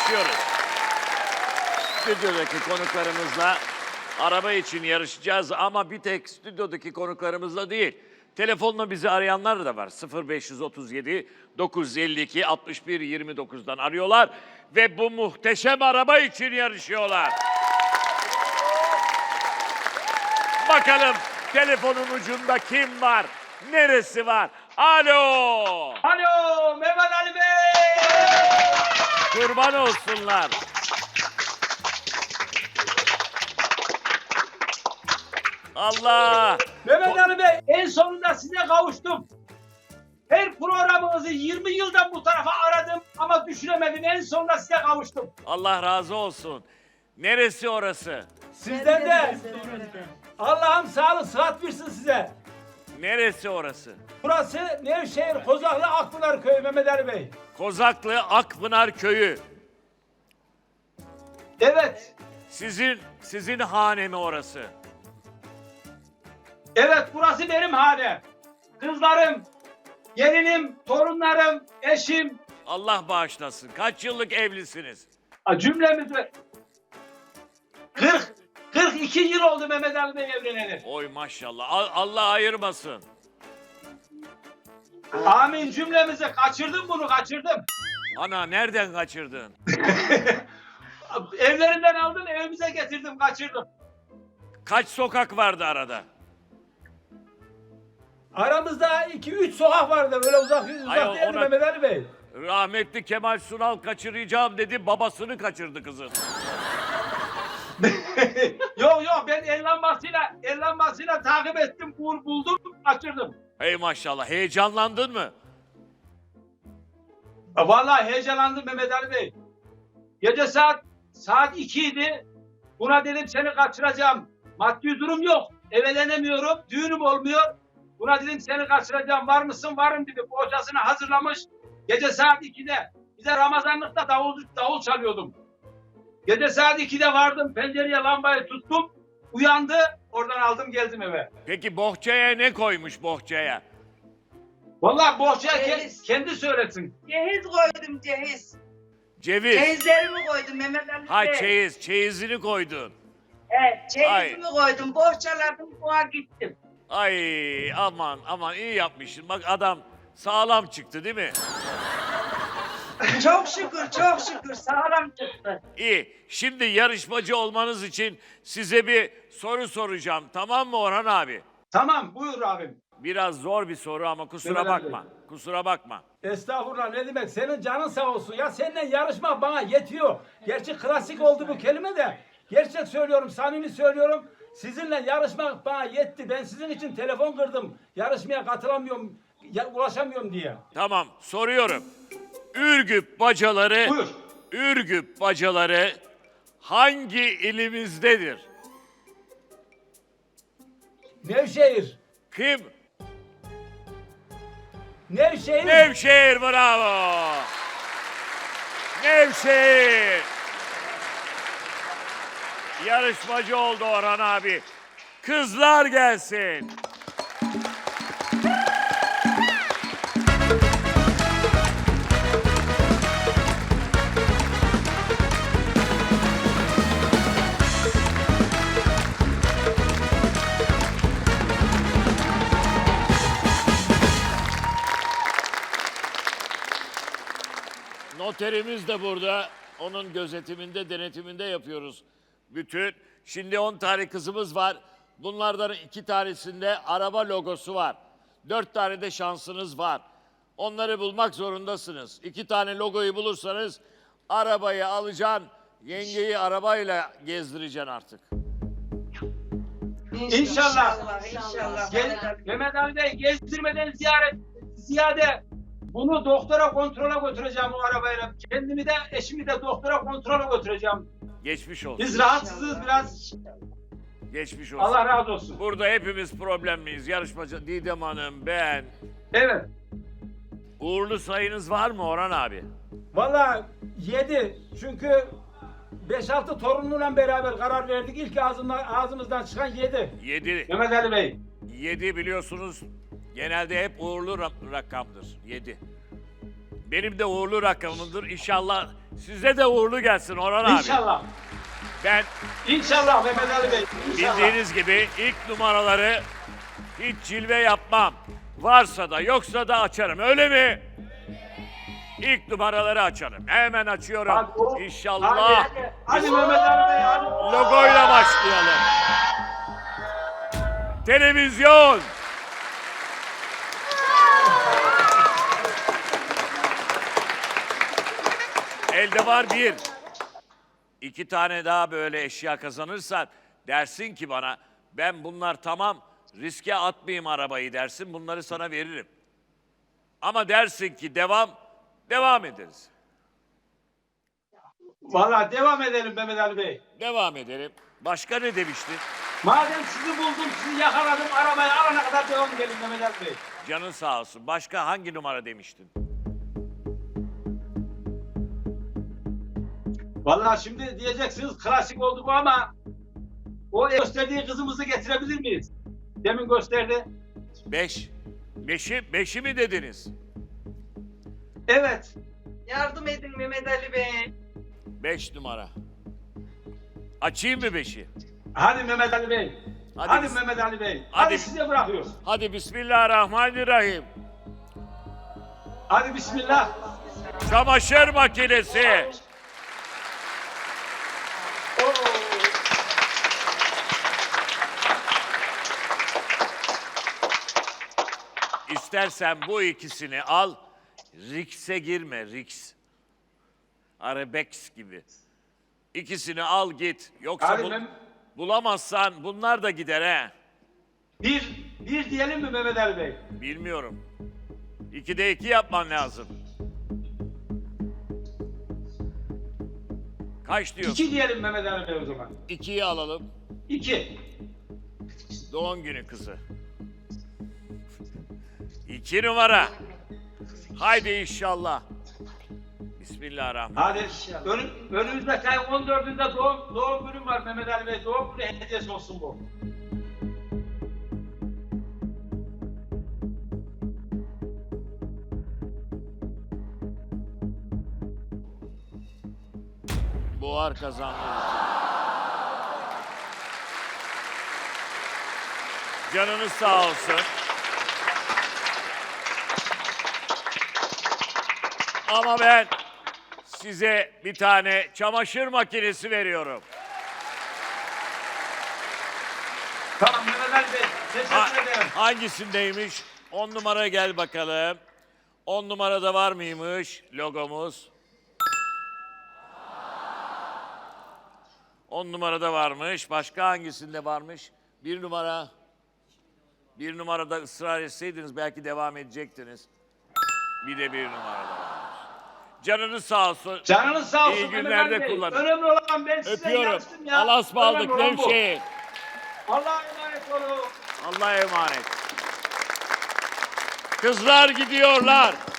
başlıyoruz. Stüdyodaki konuklarımızla araba için yarışacağız ama bir tek stüdyodaki konuklarımızla değil. Telefonla bizi arayanlar da var. 0537 952 61 29'dan arıyorlar ve bu muhteşem araba için yarışıyorlar. Bakalım telefonun ucunda kim var? Neresi var? Alo! Alo Mehmet Ali Bey! Kurban olsunlar. Allah! Mehmet Ali Bey en sonunda size kavuştum. Her programınızı 20 yıldan bu tarafa aradım ama düşüremedim. En sonunda size kavuştum. Allah razı olsun. Neresi orası? Sizden de Allah'ım sağlık sıhhat versin size. Neresi orası? Burası Nevşehir Kozaklı Akpınar Köyü Mehmet Ali Bey. Kozaklı Akpınar Köyü. Evet. Sizin hane mi orası? Evet burası benim hanem. Kızlarım, gelinim, torunlarım, eşim. Allah bağışlasın. Kaç yıllık evlisiniz? Cümlemizi 42 yıl oldu Mehmet Ali Bey evleneli. Oy maşallah. Allah ayırmasın. Amin cümlemizi. Kaçırdım bunu kaçırdım. Ana nereden kaçırdın? Evlerinden aldım evimize getirdim kaçırdım. Kaç sokak vardı arada? Aramızda 2-3 sokak vardı böyle uzak Ay, değildi ona- Mehmet Ali Bey. Rahmetli Kemal Sunal kaçıracağım dedi. Babasını kaçırdı kızın. Yok ben el lambasıyla takip ettim buldum kaçırdım. Hey maşallah. Heyecanlandın mı? Vallahi heyecanlandım Mehmet Ali Bey. Gece saat 2 idi. Buna dedim seni kaçıracağım. Maddi durum yok. Evlenemiyorum. Düğünüm olmuyor. Buna dedim seni kaçıracağım. Var mısın? Varım dedi. Bohçasını hazırlamış. Gece saat 2'de. Bize Ramazanlıkta davul çalıyordum. Gece saat 2'de vardım. Pencereye lambayı tuttum. Uyandı. Oradan aldım geldim eve. Peki bohçaya ne koymuş bohçaya? Vallahi bohçaya Ceviz. kendi söylesin. Cehiz koydum cehiz. Ceviz. Çeyizlerimi koydum Mehmet Ali Ha Bey. çeyizini koydun. Evet çeyizimi koydum. Bohçaladım boğa gittim. Ay aman iyi yapmışsın. Bak adam sağlam çıktı değil mi? Çok şükür sağlam çıktı. İyi. Şimdi yarışmacı olmanız için size bir soru soracağım. Tamam mı Orhan abi? Tamam buyur abim. Biraz zor bir soru ama kusura Mehmet abi. bakma. Kusura bakma. Estağfurullah ne demek senin canın sağ olsun ya seninle yarışma bana yetiyor. Gerçi klasik oldu bu kelime de gerçek söylüyorum samimi söylüyorum. Sizinle yarışmak bana yetti. Ben sizin için telefon kırdım. Yarışmaya katılamıyorum, ulaşamıyorum diye. Tamam soruyorum. Ürgüp bacaları Buyur. Ürgüp bacaları hangi ilimizdedir? Nevşehir. Kim? Nevşehir. Nevşehir bravo. Nevşehir. Yarışmacı oldu Orhan abi. Kızlar gelsin. Noterimiz de burada. Onun gözetiminde, denetiminde yapıyoruz bütün. Şimdi 10 tane kızımız var. Bunlardan 2 tanesinde araba logosu var. 4 tane de şansınız var. Onları bulmak zorundasınız. 2 tane logoyu bulursanız arabayı alacaksın. Yengeyi arabayla gezdireceksin artık. İnşallah. İnşallah. Mehmet Ali Bey gezdirmeden ziyade bunu doktora kontrola götüreceğim o arabayla. Kendimi de eşimi de doktora kontrola götüreceğim. Geçmiş olsun. Biz rahatsızız biraz. Geçmiş olsun. Allah razı olsun. Burada hepimiz problemliyiz. Yarışmacı Didem Hanım, ben. Evet. Uğurlu sayınız var mı Orhan abi? Vallahi 7 çünkü 5-6 torunumla beraber karar verdik. İlk ağzımızdan çıkan 7. 7. Mehmet Ali Bey. 7 biliyorsunuz genelde hep uğurlu rakamdır. 7. Benim de uğurlu rakamımdır. İnşallah Size de uğurlu gelsin Orhan abi. İnşallah. Ben İnşallah Mehmet Ali Bey. İnşallah. bildiğiniz gibi ilk numaraları hiç cilve yapmam. Varsa da yoksa da açarım. Öyle mi? İlk numaraları açarım. Hemen açıyorum. Hadi, İnşallah. Hadi Mehmet Ali Bey hadi. Logoyla başlayalım. Televizyon. Elde var bir. İki tane daha böyle eşya kazanırsan dersin ki bana ben bunlar tamam riske atmayayım arabayı dersin bunları sana veririm. Ama dersin ki devam ederiz. Valla devam edelim Mehmet Ali Bey. Devam edelim. Başka ne demiştin? Madem sizi buldum, sizi yakaladım, arabayı alana kadar devam edelim Mehmet Ali Bey. Canın sağ olsun. Başka hangi numara demiştin? Valla şimdi diyeceksiniz klasik oldu bu ama o gösterdiği kızımızı getirebilir miyiz? Demin gösterdi. 5. Beşi mi dediniz? Evet. Yardım edin Mehmet Ali Bey. 5 numara. Açayım mı 5'i? Hadi Mehmet Ali Bey. Hadi Hadi, biz- Mehmet Ali Bey. Hadi- Hadi size bırakıyoruz. Hadi Bismillahirrahmanirrahim. Hadi bismillah. Çamaşır makinesi. Oo. İstersen bu ikisini al. Rix'e girme, Rix. Arabex gibi. İkisini al git. Yoksa Hadi Mehmet- bulamazsan bunlar da gider he. Bir diyelim mi Mehmet Ali Bey? Bilmiyorum. 2'de 2 yapman lazım. Kaç diyor? 2 diyelim Mehmet Ali Bey o zaman. 2'yi alalım. 2. Doğum günü kızı. 2 numara. Haydi inşallah. Bismillahirrahmanirrahim. Hadi önümüzdeki ayın 14'ünde doğum günüm var Mehmet Ali Bey. Doğum günü hediyesi olsun bu. Buhar kazandı. Canınız sağ olsun. Ama ben size bir tane çamaşır makinesi veriyorum. Tamam Mehmet Ali Bey. Teşekkür ederim. Hangisindeymiş? 10 numara gel bakalım. 10 numarada var mıymış logomuz? 10 numarada varmış. Başka hangisinde varmış? 1 numara. 1 numarada ısrar etseydiniz belki devam edecektiniz. Bir de 1 numarada varmış. Canınız sağ olsun. Canınız sağ olsun İyi Mehmet günlerde Ali Bey. kullanın. Önemli olan ben size Öpüyorum. inanmıştım ya. Allah'a ısmarladık Önemli olan bu. Nevşehir. Allah'a emanet olun. Allah'a emanet. Kızlar gidiyorlar.